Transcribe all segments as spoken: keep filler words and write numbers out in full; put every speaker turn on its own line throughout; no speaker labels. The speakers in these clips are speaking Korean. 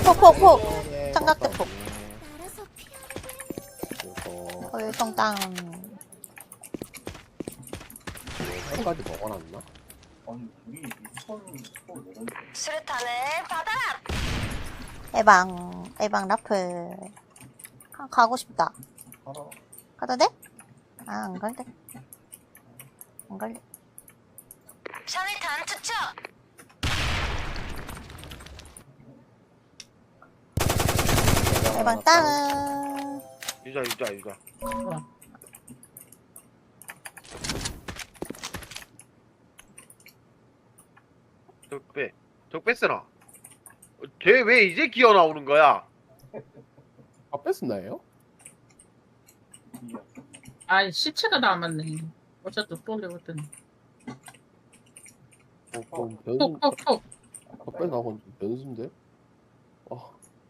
폭폭폭.
네,
삼각대폭.
이거
헐성땅.
끝까지 먹어놨나?
수류탄을 받아라.
에방 에방 라플. 아, 가고 싶다. 가도 돼? 아, 안 갈래. 안 갈래.
샤넬탄 투척.
에방 땅.
유자 유자 유자. 적배 적배 쓰나? 걔 왜 이제 기어 나오는 거야?
아 뺐었나요?
아, 시체가 남았네. 어차피 또 올려봤더니.
어 그럼 변수
톡톡톡.
아, 뺐 나건 변수인데? 아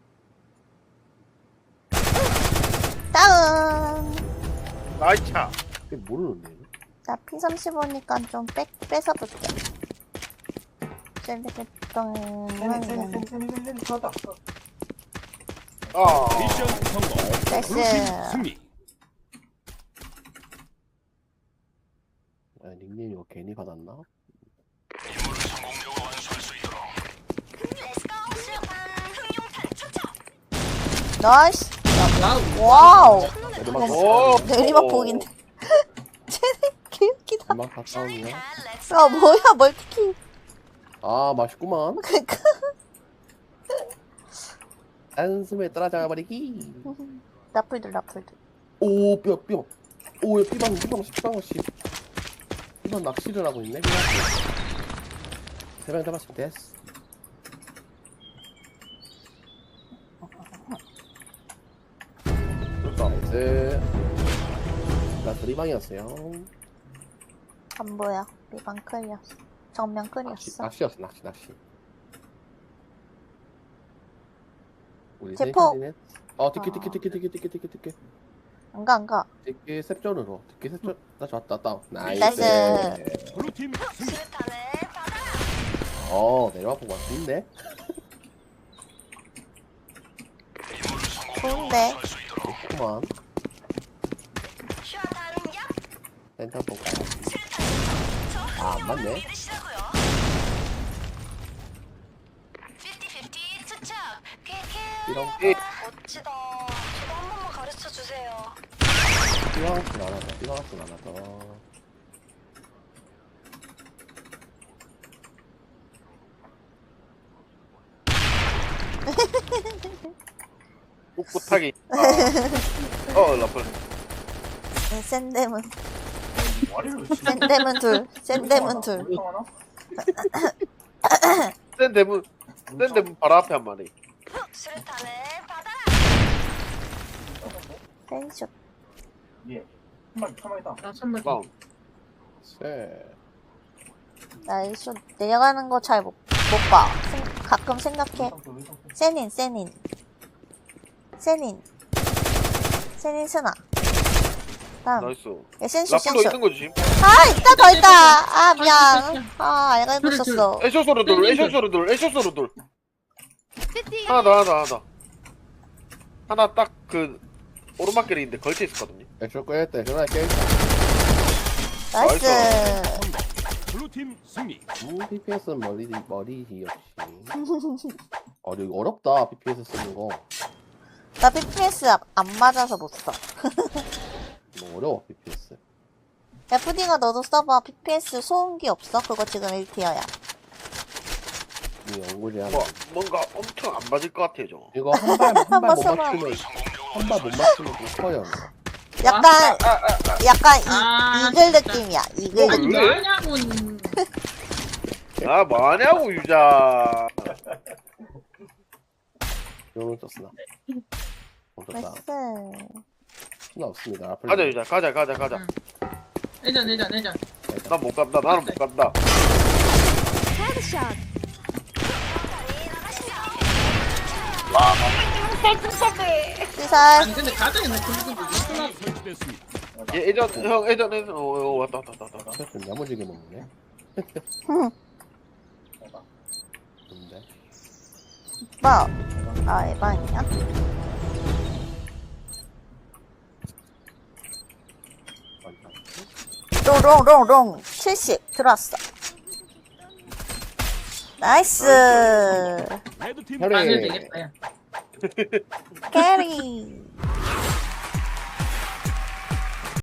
다운.
나이차.
이게 모르는데.
나 피 삼십오니까 좀 빼, 뺏어볼게. 셀리겠던
아
미션 성공.
나이스.
블루팀 승리.
아 닉네임 이거 괜히 받았나?
렛츠고. 수류탄 흑룡탄 투척.
나이스.
와우.
와우.
내리막
오.
내리막 보긴데. 쟤네 개웃기다.
내리막 가까운이야?
샤넬탄 렛츠.
아, 뭐야, 멀티킬.
아 맛있구만.
그니까.
한숨에 따라잡아버리기.
라플들, 라플들.
오 뼈 뼈. 오야 삐방 삐방 삐방 씨. 삐방 낚시를 하고 있네. 세명 잡았으면 됐어. 나이스. 나 드리방이었어요.
안 보여. 미방 클이었어. 정면
낚시,
클이었어.
낚시였어 낚시 낚시. 우리
제포.
세이까지는 어 티켓 티켓 티켓 티켓 티켓 티켓 티켓
안 가, 안 가.
티켓 셉존으로 티켓 셉존 나 좋았다 다운 나이스.
나이스.
블루팀 승리.
수류탄을 받아라.
어 내려와보고 왔는데
좋은데.
좋구만.
슈아탄 야.
센터 볼까.
수류탄 투척.
아, 안 맞네.
믿으시라고요. 피프티 피프티 투척.
이런
예.
멋지다. 저도 한 번만 가르쳐 주세요.
삐방학습 안 하다 삐방학습 안 하다.
꿋꿋하게. 아. 어 라플.
네, 센데문. 센데문 둘. 센데문 둘.
센 대문 센 대문 바로 앞에 한 마리.
수류탄을 받아라.
센쇼.
아, 선물.
다운.
쎄.
나이쇼 내려가는 거 잘 못, 못 봐. 생, 가끔 생각해. 세닌, 세닌. 세닌. 세닌 스나. 다음.
나이스.
야, 센쇼,
라플로
센쇼.
있는 거지.
아, 있다, 더 있다. 아, 미안. 아, 알고 있었어.
에쇼 소로 돌. 에쇼 소로 돌. 에쇼 소로 돌. 하나 더 하나 더 하나 더. 하나 딱 그 오르막길에 있는데 걸쳐 있었거든요.
액션 꺼야겠다 전화 할게.
나이스.
블루팀 승리.
음 피피에스는 머리 머리지 역시. 어 이거 어렵다 피피에스 쓰는 거.
나 피피에스 안 맞아서 못 써.
뭐 어려워 피피에스.
야, 푸딩아, 너도 써봐. 피피에스 소음기 없어? 그거 지금 일 티어야.
이 연구리 하나.
뭐 뭔가 엄청 안 맞을 것 같아요 저거.
이거 한발한발 못
써봐.
맞추면 한 발 못 맞추면 좀 커요.
약간, 약간 이,
아,
이글
진짜.
느낌이야. 이글
어,
느낌.
왜?
뭐냐고.
아 뭐하냐고 유자.
요런 썼으나. 멈췄다.
나이스.
수나 없습니다. 앞을
가자 유자 가자 가자 가자.
응. 내전, 내전, 내전.
난 못 간다 나는 못 간다.
시살.
아니, 근데 가정에는 그리고
폭탄이 설치됐습니다.
얘 예전 형 예전에 어, 어 왔다 왔다 왔다 왔다.
좀 야무지게 먹네.
응.
근데
오빠, 아, 에반이야? 롱롱롱롱 칠십 들어왔어. 나이스.
레드팀
혈액.
맞아야 되겠다 야.
캐리.